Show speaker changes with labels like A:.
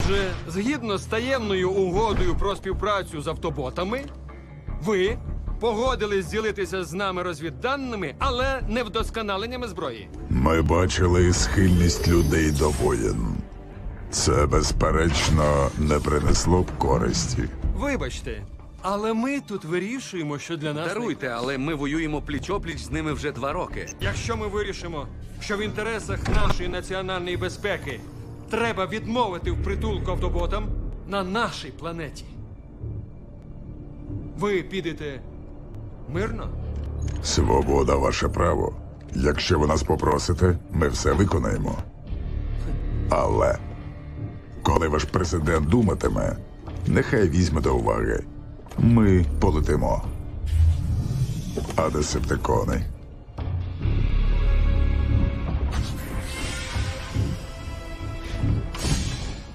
A: Отже, згідно з таємною угодою про співпрацю з автоботами, ви погодились ділитися з нами розвідданими, але не вдосконаленнями зброї.
B: Ми бачили схильність людей до воєн. Це, безперечно, не принесло б користі.
A: Вибачте, але ми тут вирішуємо, що для нас...
C: Даруйте, але ми воюємо пліч-опліч з ними вже 2 роки.
A: Якщо ми вирішимо, що в інтересах нашої національної безпеки треба відмовити в притулку автоботам на нашій планеті, ви підете мирно?
B: Свобода — ваше право. Якщо ви нас попросите, ми все виконаємо. Але, коли ваш президент думатиме, нехай візьме до уваги. Ми полетимо. А десептикони?